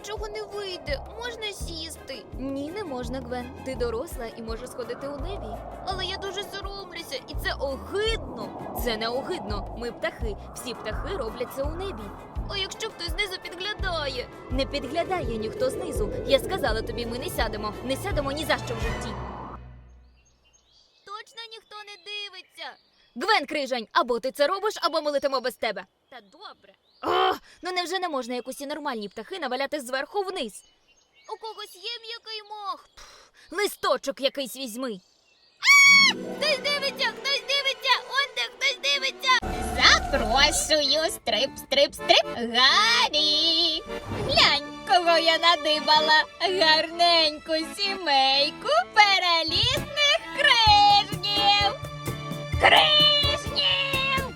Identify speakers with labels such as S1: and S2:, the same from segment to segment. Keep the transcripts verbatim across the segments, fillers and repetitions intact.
S1: нічого не вийде. Можна сісти.
S2: Ні, не можна, Гвен. Ти доросла і можеш сходити у небі.
S1: Але я дуже соромлюся, і це
S2: Огидно! Це не огидно. Ми птахи. Всі птахи роблять це у небі.
S1: А якщо хтось знизу підглядає?
S2: Не підглядає ніхто знизу. Я сказала тобі, ми не сядемо. Не сядемо ні за що в житті.
S1: Точно ніхто не дивиться.
S2: Гвен Крижань, або ти це робиш, або ми летимо без тебе.
S1: Та добре.
S2: Ох, ну невже не можна, як усі нормальні птахи, наваляти зверху вниз?
S1: У когось є м'який мох.
S2: Листочок якийсь візьми.
S1: Хтось дивиться, хтось дивиться, он де хтось дивиться.
S3: Запрошую, стрип, стрип, стрип, Гаррі. Глянь, кого я надибала. Гарненьку сімейку перелісних крижнів. Крижнів!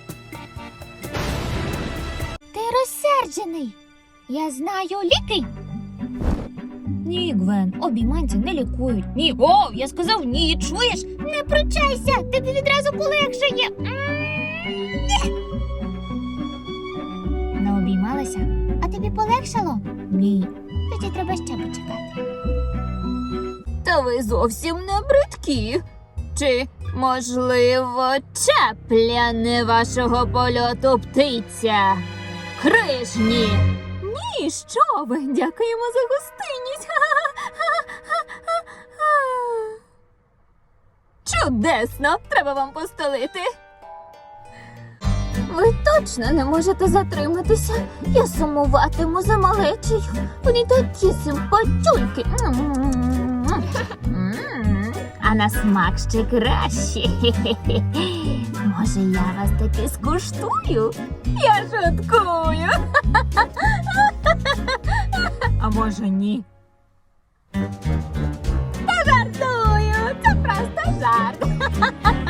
S3: Ти розсерджений. Я знаю ліки. Ні, Гвен, обійманці не лікують. Ні, о, я сказав ні, чуєш? Не пручайся, тобі відразу полегшає. Не обіймалася? А тобі полегшало? Ні. Тоді треба ще почекати. Та ви зовсім не бридкі. Чи, можливо, чапля не вашого польоту птиця? Крижні! Ні, що ви? Дякуємо за гостинність. Чудесно! Треба вам постелити. Ви точно не можете затриматися. Я сумуватиму за малечею. Вони такі симпатюльки. А на смак ще краще. Може, я вас таки скуштую? Я шуткую. А може, ні? Та жартую. Це просто жарт.